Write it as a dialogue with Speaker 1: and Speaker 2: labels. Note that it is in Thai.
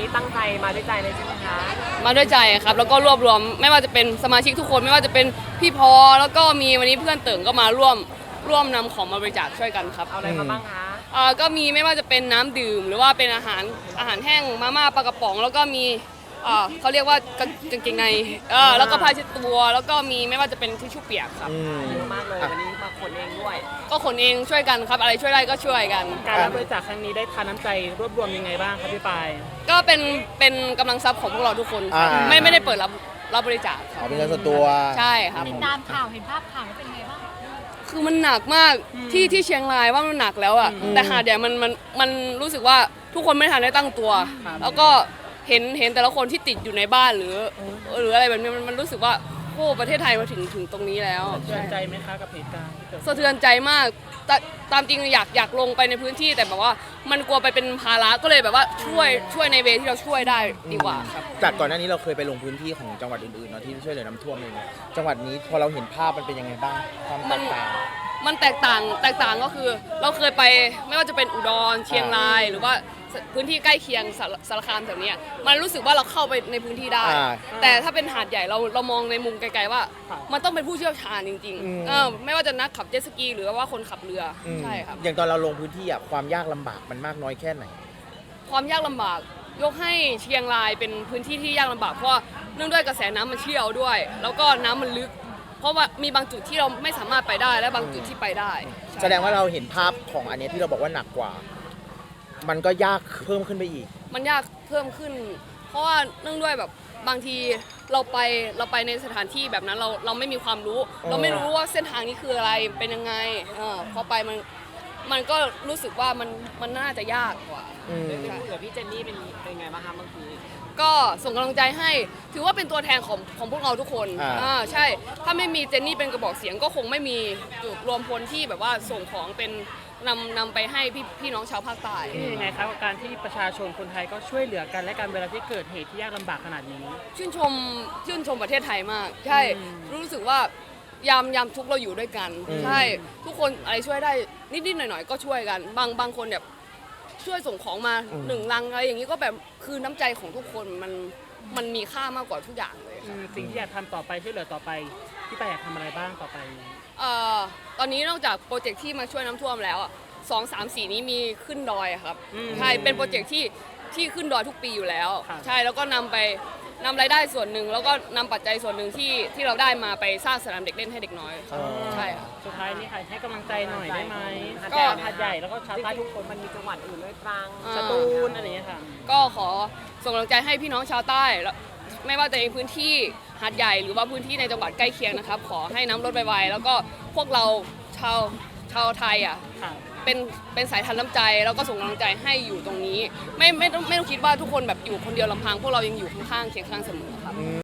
Speaker 1: นี้ตั้งใจมาด้วยใจเลยใช่ไหมคะ
Speaker 2: มาด้วยใจครับแล้วก็รวบรวมไม่ว่าจะเป็นสมาชิกทุกคนไม่ว่าจะเป็นพี่พอแล้วก็มีวันนี้เพื่อนเติ่งก็มาร่วมนำของมาบริจาคช่วยกันครับ
Speaker 1: เอาอะไรมาบ้างคะ
Speaker 2: ก็มีไม่ว่าจะเป็นน้ำดื่มหรือว่าเป็นอาหารแห้งมาม่าปลากระป๋องแล้วก็มีเขาเรียกว่ากางเกงในแล้วก็ผ้าเช็ดตัวแล้วก็มีไม่ว่าจะเป็นทิชชู่เปียกครับ
Speaker 1: เยอะมากเลยวันนี้มาขนเองด้วย
Speaker 2: ก็ขนเองช่วยกันครับอะไรช่วยได้ก็ช่วยกัน
Speaker 1: การรับบริจาคครั้งนี้ได้ทานน้ำใจรวบรวมยังไงบ้างครับพี่ปาย
Speaker 2: ก็เป็นกำลังทรัพย์ของพวกเราทุกคนไม่ได้เปิดรับบริจาคครับ
Speaker 3: เป็นเงินส่วนตัว
Speaker 2: ใช่ครับ
Speaker 4: ติดตามข่าวเห็นภาพข่าวแล้วเป็นไงบ้าง
Speaker 2: คือมันหนักมากที่เชียงรายว่ามันหนักแล้วอ่ะแต่หาดใหญ่มันรู้สึกว่าทุกคนไม่ทันได้ตั้งตัวแล้วก็เห็นแต่ละคนที่ติดอยู่ในบ้านหรืออะไรแบบนี้มันรู้สึกว่าโอ้ประเทศไทยมาถึงตรงนี้แล้ว
Speaker 1: สะเทือนใจไหมคะกับเหตุการณ์ที่เกิด
Speaker 2: สะเทือนใจมากตามจริงอยากลงไปในพื้นที่แต่แบบว่ามันกลัวไปเป็นภาระก็เลยแบบว่าช่วยในเวที่เราช่วยได้ดีกว่าครับ
Speaker 3: จากก่อนหน้านี้เราเคยไปลงพื้นที่ของจังหวัดอื่นๆเนาะที่ช่วยเหลือน้ำท่วมเองจังหวัดนี้พอเราเห็นภาพมันเป็นยังไงบ้างความแตกต่าง
Speaker 2: มันแตกต่างก็คือเราเคยไปไม่ว่าจะเป็นอุดรเชียงรายหรือว่าพื้นที่ใกล้เคียงสารคามแถวนี้มันรู้สึกว่าเราเข้าไปในพื้นที่ได้แต่ถ้าเป็นหาดใหญ่เรามองในมุมไกลๆว่ามันต้องเป็นผู้เชี่ยวชาญจริงๆไม่ว่าจะนักขับเจ็ตสกีหรือว่าคนขับเรือใช่ครับ
Speaker 3: อย่างตอนเราลงพื้นที่ความยากลำบากมันมากน้อยแค่ไหน
Speaker 2: ความยากลำบากยกให้เชียงรายเป็นพื้นที่ที่ยากลำบากเพราะเนื่องด้วยกระแสน้ำมันเชี่ยวด้วยแล้วก็น้ำมันลึกเพราะว่ามีบางจุดที่เราไม่สามารถไปได้และบางจุดที่ไปได้
Speaker 3: แสดงว่าเราเห็นภาพของอันนี้ที่เราบอกว่าหนักกว่ามันก็ยากเพิ่มขึ้นไปอีก
Speaker 2: มันยากเพิ่มขึ้นเพราะว่าเนื่องด้วยแบบบางทีเราไปในสถานที่แบบนั้นเราไม่มีความรู้เราไม่รู้ว่าเส้นทางนี้คืออะไรเป็นยังไงพอไปมันก็รู้สึกว่ามันน่าจะยากกว่า
Speaker 1: เดี๋ยวพี่เจนนี่เป็นไงบ้างคะบางที
Speaker 2: ก็ส่งกำลังใจให้ถือว่าเป็นตัวแทนของพวกเราทุกคนใช่ถ้าไม่มีเจนนี่เป็นกระบอกเสียงก็คงไม่มีจุดรวมพลที่แบบว่าส่งของเป็นนำไปให้พี่น้องชาวภาคใต้
Speaker 1: ยังไงครับกับการที่ประชาชนคนไทยก็ช่วยเหลือกันและกันเวลาที่เกิดเหตุที่ยากลำบากขนาดนี้
Speaker 2: ชื่นชมประเทศไทยมากใช่รู้สึกว่ายามทุกเราอยู่ด้วยกันใช่ทุกคนอะไรช่วยได้นิดๆหน่อยๆก็ช่วยกันบางคนแบบช่วยส่งของมา1 ลังอะไรอย่างนี้ก็แบบคือน้ำใจของทุกคนมันมีค่ามากกว่าทุกอย่างเลย
Speaker 1: สิ่งที่อยากทำต่อไปช่วยเหลือต่อไปพี่ปายอยากทำอะไรบ้างต่อไป
Speaker 2: ตอนนี้นอกจากโปรเจกต์ที่มาช่วยน้ำท่วมแล้ว2 3 4นี้มีขึ้นดอยครับใช่เป็นโปรเจกต์ที่ขึ้นดอยทุกปีอยู่แล้วใช่แล้วก็นำรายได้ส่วนหนึ่งแล้วก็นำปัจจัยส่วนหนึ่งที่เราได้มาไปสร้างสนามเด็กเล่นให้เด็กน้อยใช่ค่ะ
Speaker 1: สุดท้ายนี้ค่ะให้กำลังใจหน่อยได้ไหมก็หาดใหญ่แล้วก็ชาวใต้ทุกคนมันมีจังหวัดอื่นด้วยตรังสตูลอะไรอย่างเงี้ยค่ะ
Speaker 2: ก็ขอส่งกำลังใจให้พี่น้องชาวใต้ไม่ว่าจะในพื้นที่หาดใหญ่หรือว่าพื้นที่ในจังหวัดใกล้เคียงนะครับขอให้น้ำลดไวๆแล้วก็พวกเราชาวไทยเป็นสายทานน้ำใจแล้วก็ส่งกำลังใจให้อยู่ตรงนี้ไม่ต้องคิดว่าทุกคนแบบอยู่คนเดียวลำพังพวกเรายังอยู่ข้างๆเคียงข้างเสมอครับ